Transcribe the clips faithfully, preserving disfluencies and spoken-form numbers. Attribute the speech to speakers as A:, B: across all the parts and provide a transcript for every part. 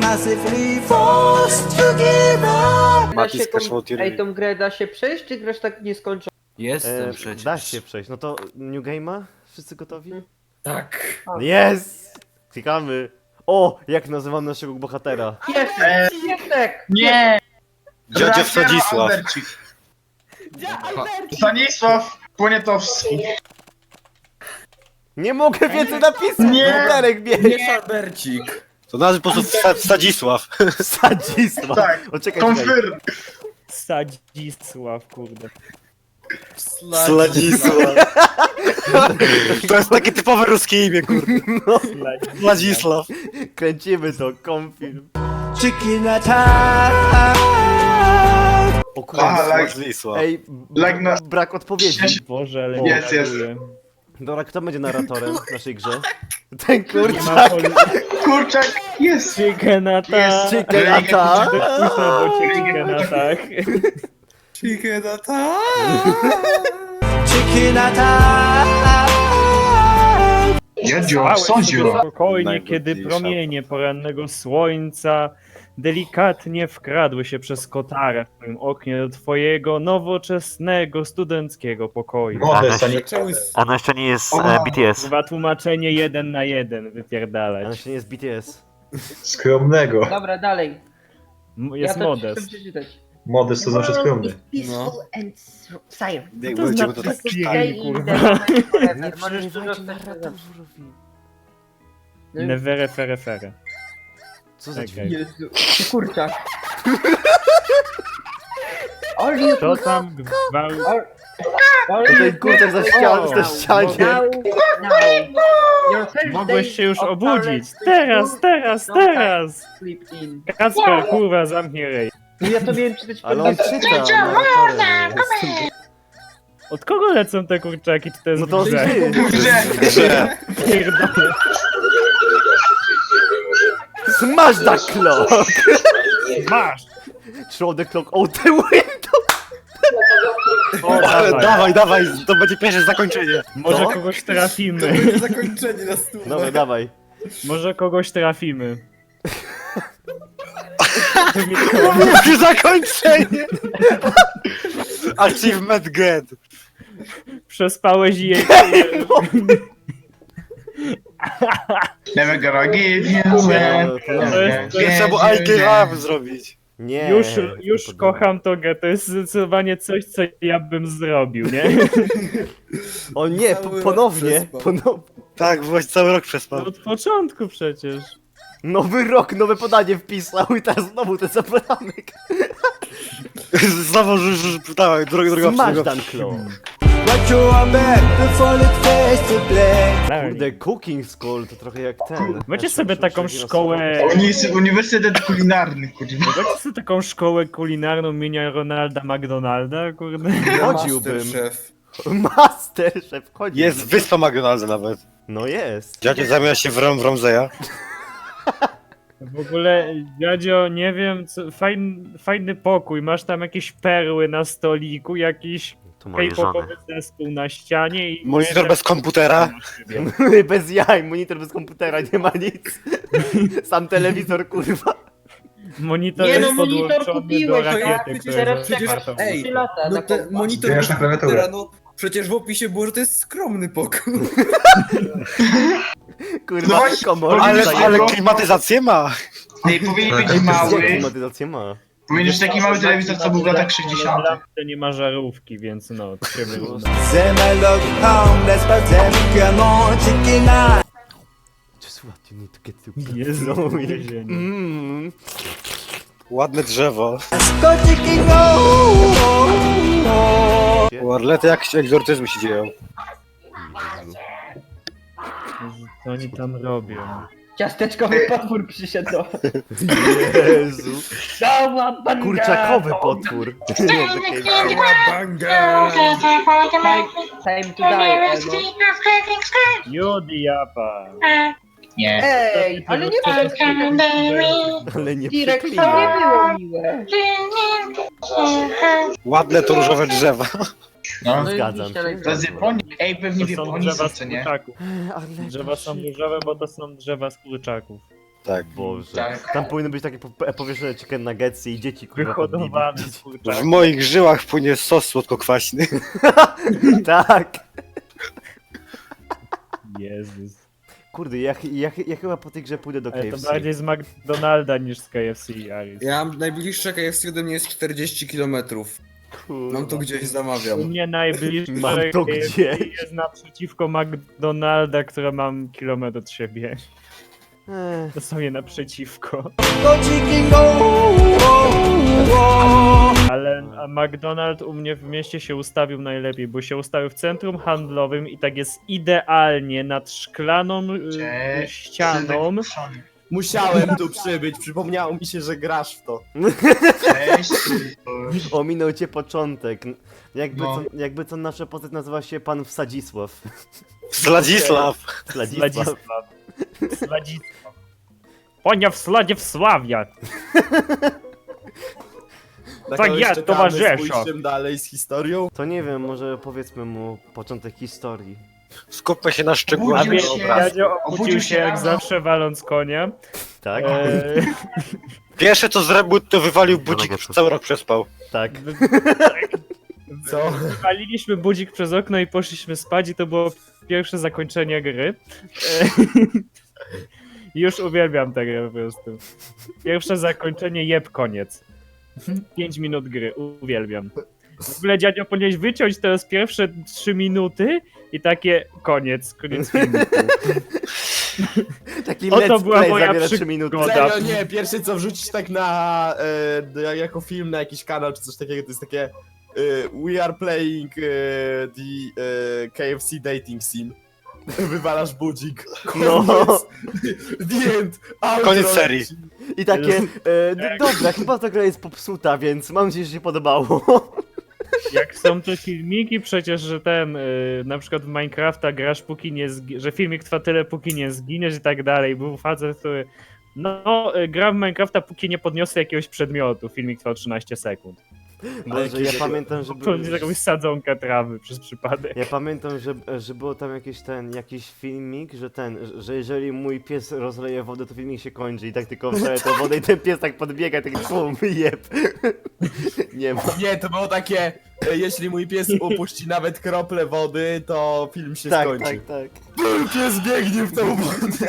A: massively forced to give up.
B: Da się
C: Mati z
B: tą,
C: Cashmore
B: ej, tą grę da się przejść, czy grasz tak nieskończona?
D: Jestem
E: E,
D: przecież.
E: da się przejść. No to New Game'a? Wszyscy gotowi?
D: Tak.
E: Jest! Klikamy. O! Jak nazywam naszego bohatera?
B: Piesek! Piesek!
F: Nie!
C: Dziadzio Wsadzisław.
F: Stanisław Poniatowski.
E: Nie mogę więcej napisać!
F: Nie!
E: Bohaterek
D: Nie
E: biegnie!
D: Szalbercik.
C: To nazwy po prostu Wsta- Wsadzisław.
E: Sadzisław!
F: Tak,
E: O, czekaj, czekaj.
F: konfirm.
G: Sadzisław, kurde.
C: Sladzisław. To jest takie typowe ruskie imię, kurde. Sladzisław.
E: Kręcimy to, konfilm.
A: Chicken attack.
E: O kurde.
F: Aha, like-
C: Sladzisław.
E: Ej, b-
F: like na-
E: brak odpowiedzi.
G: Boże, ale
E: O,
G: nie
F: jest, jest.
G: reaguję.
E: Dobra, kto będzie narratorem w naszej grze? Ten
G: Nie
E: kurczak!
G: ma poli...
F: Kurczak jest.
G: Chicken attack!
F: Jest
E: Chicken attack!
G: Puszczę, bo cię chicken attack.
D: Chicken attack.
A: Chicken attack.
F: Jadzio,
G: Spałeś sobie
F: sądziu.
G: spokojnie, kiedy
C: Najgodniejsza.
G: promienie porannego słońca delikatnie wkradły się przez kotarę w twoim oknie do twojego nowoczesnego, studenckiego pokoju.
F: Może Stanisław.
D: Zaczęły z...
H: Ono jeszcze nie jest
F: Ona-
H: e, B T S.
G: Chyba tłumaczenie jeden na jeden
E: Ale
G: wypierdalać.
E: się nie jest B T S.
F: Skromnego.
B: Dobra, dalej.
G: M-
B: Ja
G: Jest
B: to chcę
G: modest.
B: przeczytać.
F: Modest to znaczy skromny.
B: Peaceful and silent.
C: Jak
G: To
C: będziemy
G: znaczy
C: to tak
G: Stay
B: Stay
G: in
B: in
G: the
B: the
G: moment
B: moment forever.
E: Nie
B: Możesz
E: przerywajcie
B: dużo
E: narratorowi.
G: Nevere fere fere.
E: Co za
G: Okej.
E: dźwięk?
B: Jezu, kurczak. All you
G: To tam gwałt...
B: all, all
E: To
B: you
E: ten kurczak za ścianą,
B: now,
E: za ścianie.
B: now, now. Your first
G: Mogłeś
B: day
G: się już
B: of
G: obudzić.
B: college
G: Teraz, teraz,
B: No
G: teraz!
B: sleep in.
G: Kacper, kurwa, zamknij rej.
B: No ja to miałem czytać
E: Ale on
B: pod-
E: czyta, narratorem jest.
G: Od kogo lecą te kurczaki, czy to jest
E: No to
G: w grze?
E: ty.
F: Grze.
C: Grze.
G: Pierdolę.
E: Smash that clock!
G: Masz!
E: Throw the clock out the window!
G: O,
C: Ale
G: dawaj.
C: dawaj, dawaj, to będzie pierwsze zakończenie.
G: Może
E: Co?
G: kogoś trafimy.
D: Będzie zakończenie na stół.
E: Dobra, dawaj.
G: Może kogoś trafimy.
C: Mówię zakończenie! Achievement get.
G: Przespałeś jej.
F: Never gonna give you
E: No,
F: man.
E: to
G: To
E: nie.
G: jest, to
C: Nie
G: jest,
C: trzeba I gave up zrobić.
E: Nie.
G: już
E: nie
G: już
E: podoba.
G: kocham tą grę. To jest zdecydowanie coś, co ja bym zrobił, nie?
E: O nie, po, ponownie. Ponow...
C: Tak, właśnie cały rok
G: No
C: przespał.
G: od początku przecież.
E: Nowy rok, nowe podanie wpisał i teraz znowu ten sam podanek.
C: Znowu, że, że, dawaj, droga, droga,
E: Smash
C: droga.
E: that clock.
A: What you are back before it fades to black.
E: Kurde, cooking school to trochę jak ten.
G: Macie
E: Znaczy,
G: sobie taką
E: przecież
G: szkołę.
F: Uni- Uniwersytet kulinarny, kurwa.
G: Macie sobie taką szkołę kulinarną imienia Ronalda McDonalda, kurde.
E: Chodziłbym.
D: Masterchef.
E: Masterchef, chodzi.
C: Jest wyspa McDonald's nawet.
E: No jest.
C: Dziadzie zamiast się w, Rom, w Romzeja.
G: W ogóle, dziadzio, nie wiem, co, fajny, fajny pokój, masz tam jakieś perły na stoliku, jakiś
H: To mojej żony.
G: K-popowy zespół na ścianie i...
C: Monitor bez komputera.
E: Bez jaj, monitor bez komputera, nie ma nic. Sam telewizor, kurwa.
G: Monitor
B: Nie no,
G: jest
B: monitor
G: podłączony do
B: kupiłeś,
G: rakiety,
B: ja
G: która
B: przecież
G: jest
B: teraz
D: Przecież,
G: otwarta.
D: ej,
B: trzy lata
D: no
B: na
D: ten
B: kompa.
D: monitor
F: Wiesz, na klawiaturę.
D: komputera, no przecież w opisie było, że to jest skromny pokój.
E: Kurwa,
F: No właśnie,
E: komor.
C: Ale,
F: Zajęło.
C: ale klimatyzację ma.
F: Ej, powinien być
E: Jak
F: mały.
E: klimatyzację ma?
F: Powinien być taki mały telewizor, co był w latach sześćdziesiątych.
G: To nie ma żarówki, więc no, to się wygląda.
A: Them I love homeless, but them can on chicken eye.
E: Just what you need to get to
G: Jezu,
E: No,
G: więzienie.
E: mm.
C: Ładne drzewo.
A: Go chicken go.
C: Warlety jak egzorcyzmy się dzieją.
G: Co oni tam robią?
B: Ciasteczkowy potwór przyszedł do...
E: Jezu.
B: Cała banda!
E: Kurczakowy potwór.
D: Banga!
B: Time to die, Emo.
G: Judiapa!
F: Nie.
B: Ej, ale nie było
E: Ale nie
B: Direk, to
E: przeklinaj.
B: nie było miłe.
C: Ładne to różowe drzewa.
F: No.
B: No i
E: Zgadzam
B: liścia
E: się.
B: najpierw.
F: To jest Japonia. Ej, pewnie w
G: To są
F: Japonii
G: drzewa
F: są,
G: z
F: co nie?
G: kurczaków.
E: Ale
G: Drzewa są różowe, bo to są drzewa z kurczaków.
C: Tak.
E: Boże.
F: Tak.
E: Tam powinny być takie po- powieszone chicken nuggetsy i dzieci kurwa
G: Wyhodowane,
E: podbili.
G: kurczak.
C: W moich żyłach płynie sos słodko-kwaśny.
E: Tak.
G: Jezus.
E: Kurde, ja, ja, ja chyba po tej grze pójdę do K
G: Ale
E: F
G: to
E: C.
G: bardziej z McDonalda niż z K F C, Aris.
D: Ja mam najbliższe K F C ode mnie jest czterdzieści kilometrów.
E: Kurwa.
D: Mam to gdzieś
G: U
D: zamawiam.
G: mnie najbliższe
E: Mam to
G: K F C
E: gdzieś.
G: jest naprzeciwko McDonalda, które mam kilometr od siebie.
E: Ech,
G: Dosłownie naprzeciwko.
A: Go chicken go, go, go.
G: Ale a McDonald u mnie w mieście się ustawił najlepiej, bo się ustawił w centrum handlowym i tak jest idealnie nad szklaną y,
F: Cześć.
G: ścianą.
H: Musiałem tu przybyć, przypomniało mi się, że grasz w to.
F: Cześć.
E: ominął cię początek. Jakby,
F: No.
E: co, jakby co nasza postać nazywa się pan Wsadzisław.
C: Sladzisław.
E: Wsadzisław.
G: Sladzisław. Sladzisław. Ponia w sladzie wsławia.
H: Na
G: Tak
H: kogoś
G: jest,
H: czekamy
G: towarzyszu.
H: z pójściem dalej z historią.
E: To nie wiem, może powiedzmy mu początek historii.
C: Skupmy się na szczegółach.
F: Obudził
G: A
F: się.
G: wie, Jadzio obudził
F: Obudził
G: się
F: się
G: jak
F: rano.
G: zawsze waląc konia.
E: Tak?
G: E,
C: Pierwsze co zrobił, to wywalił budzik, cały rok przespał.
E: Tak.
H: Co?
G: Waliliśmy budzik przez okno i poszliśmy spać i to było pierwsze zakończenie gry. E, Już uwielbiam tę grę po prostu. Pierwsze zakończenie, jeb, koniec. Pięć minut gry, uwielbiam. W ogóle dziadzio powinieneś wyciąć teraz pierwsze trzy minuty i takie koniec, koniec filmu.
E: Taki
G: Oto
E: let's
G: była
E: play
G: moja
E: zabiera
G: przygoda.
E: trzy minuty.
G: Goda.
H: Serio, nie, pierwsze co wrzucić tak na, e, jako film na jakiś kanał czy coś takiego, to jest takie e, We are playing e, the e, K F C dating sim. Wywalasz budzik.
E: No.
H: Koniec. The end. Outro.
C: Koniec serii.
E: I takie, e, d- dobra, chyba ta gra jest popsuta, więc mam nadzieję, że się podobało.
G: Jak są te filmiki przecież, że ten, y, na przykład w Minecrafta grasz póki nie zgi- że filmik trwa tyle póki nie zginiesz i tak dalej. Był facet, który no, y, gra w Minecrafta póki nie podniosę jakiegoś przedmiotu. Filmik trwał trzynaście sekund.
E: Boże, ja pamiętam, że
G: To
E: był,
G: jest jakąś sadzonkę trawy przez przypadek.
E: ja pamiętam, że, że było tam jakiś ten, jakiś filmik, że ten, że jeżeli mój pies rozleje wodę, to filmik się kończy i tak tylko wleje tą wodę i ten pies tak podbiega, taki pum, jeb. Nie ma.
H: Nie, to było takie, e, jeśli mój pies upuści nawet kroplę wody, to film się
E: Tak,
H: skończy.
E: tak, tak.
H: Pies biegnie w tą wodę.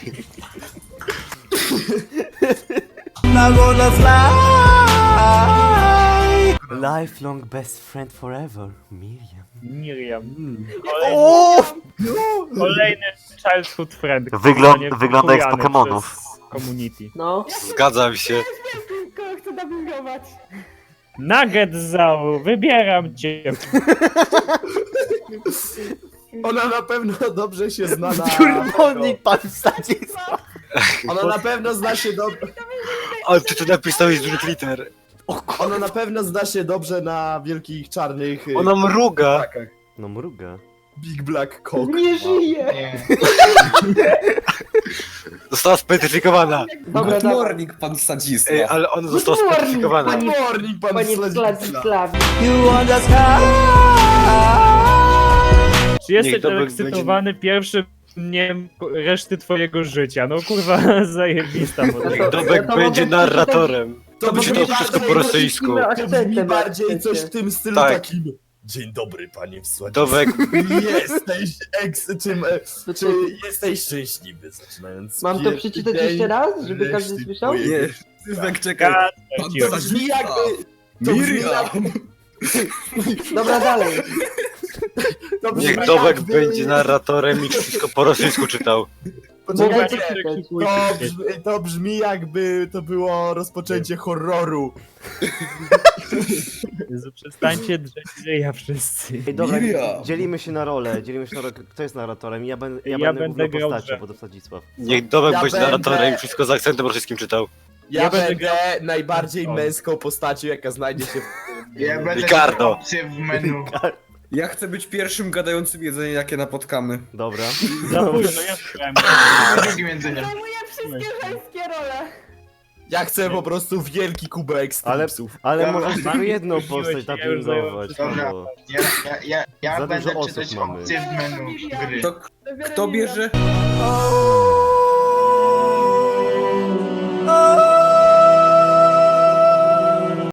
A: Now gonna fly.
E: Lifelong best friend forever, Miriam.
G: Miriam.
H: Mm.
G: Kolejny,
E: O!
G: kolejny childhood friend.
E: Wygląd-
G: który nie
E: wygląda jak z
G: wkurwiany
E: Pokemonów.
G: przez Community.
B: No.
C: Zgadzam się.
B: Kogo chcę dubbingować?
G: Nugget Zau, wybieram cię.
H: Ona na pewno dobrze się zna na...
E: Kurwonik pan Wsadzisław.
H: Ona na pewno zna się dobrze...
C: Ale ty to napisałeś z dużych liter.
H: Ona na pewno zna się dobrze na wielkich czarnych... y,
C: Ona mruga.
H: ptakach.
E: No mruga.
H: Big Black Cock.
B: Nie żyje!
F: Nie.
C: Została specyfikowana.
B: Dobra,
D: Good
B: dawaj.
D: morning, pan Sadzisław.
C: Ej, ale ona została
B: morning,
C: specyfikowana.
B: pani-
H: Morning, pan
B: Panie
H: Sladisław.
B: Władysław.
A: You on the sky.
G: Czy jesteś
C: Niech Dobek
G: ekscytowany pierwszym dniem reszty twojego życia? No kurwa, zajebista motywacja.
C: Niech Dobek
B: to
C: będzie
B: mogę
C: narratorem.
H: To
C: To
H: brzmi
C: to wszystko po
H: bardziej-
C: rosyjsku.
B: Musimy
H: To brzmi
B: akcentem,
H: bardziej
B: akcencie.
H: coś w tym stylu
C: Tak.
H: takim. Dzień dobry, panie Wsładzie.
C: Dobek,
H: Jesteś eks... Czym, e,
B: To
H: czy
B: ty-
H: jesteś szczęśliwy, zaczynając
B: Mam to
H: pierwszy
B: przeczytać
H: dzień
B: jeszcze raz, żeby
H: reszty
B: każdy słyszał?
H: twojego-
D: Nie, Sylwek, czekaj. Pan
G: Cicho.
H: To brzmi jakby...
D: Sadzisław.
H: To brzmi
D: Miriam.
B: Dobra, dalej.
H: To brzmi
C: niech Dobek
H: jakby-
C: będzie narratorem i wszystko po rosyjsku czytał.
H: Poczekajcie,
B: Mogę czytać.
H: to brzmi, to brzmi jakby to było rozpoczęcie horroru.
G: Jezu, przestańcie drzeć ryja wszyscy.
E: Ej, dobra,
D: Miriam.
E: dzielimy się na rolę, dzielimy się na rolę. Kto jest narratorem? Ja, ben, ja,
G: Ja
E: będę
G: będę
E: główną
G: grał
E: postacią,
G: drzew.
E: bo to Wsadzisław.
C: Niech Dobek
H: Ja
C: będzie
H: będę-
C: narratorem i wszystko z akcentem rosyjskim czytał.
H: Ja,
G: Ja będę
H: będę najbardziej
G: O.
H: męską postacią, jaka znajdzie się w...
F: Ja będę
C: Ricardo.
F: miał opcję w menu.
D: Ja chcę być pierwszym gadającym jedzeniem, jakie napotkamy.
E: Dobra.
G: Za późno, ja szukałem.
F: Drugim jedzeniem.
B: Zajmuję wszystkie żeńskie role.
H: Ja chcę po prostu wielki kubek z
E: Ale-
H: tipsów.
E: Ale
F: Dobra.
E: możesz tylko jedną
G: Wróciłeś,
E: postać
G: ja już
E: napingować.
G: zająłem
F: Dobra.
E: bo-
F: Ja, ja, ja, ja
E: Za
F: będę
E: dużo osób
F: czytać
E: mamy.
F: opcje w menu gry.
D: To kto bierze?
A: Oh.